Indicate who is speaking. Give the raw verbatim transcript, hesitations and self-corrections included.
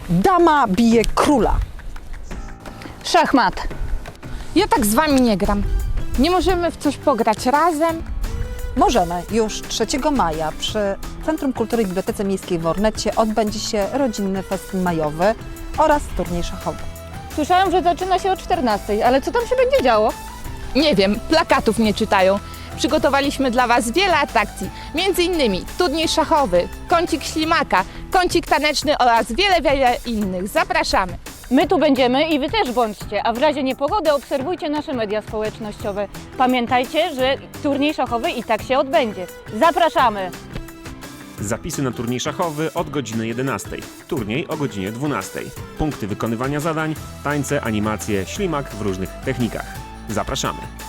Speaker 1: Dama bije króla.
Speaker 2: Szachmat.
Speaker 3: Ja tak z wami nie gram. Nie możemy w coś pograć razem?
Speaker 1: Możemy. Już trzeciego maja przy Centrum Kultury i Bibliotece Miejskiej w Ornecie odbędzie się rodzinny festyn majowy oraz turniej szachowy.
Speaker 2: Słyszałam, że zaczyna się o czternastej, ale co tam się będzie działo?
Speaker 3: Nie wiem, plakatów nie czytają. Przygotowaliśmy dla was wiele atrakcji, między innymi turniej szachowy, kącik ślimaka, kącik taneczny oraz wiele, wiele innych. Zapraszamy!
Speaker 2: My tu będziemy i wy też bądźcie, a w razie niepogody obserwujcie nasze media społecznościowe. Pamiętajcie, że turniej szachowy i tak się odbędzie. Zapraszamy!
Speaker 4: Zapisy na turniej szachowy od godziny jedenastej. Turniej o godzinie dwunastej. Punkty wykonywania zadań, tańce, animacje, ślimak w różnych technikach. Zapraszamy!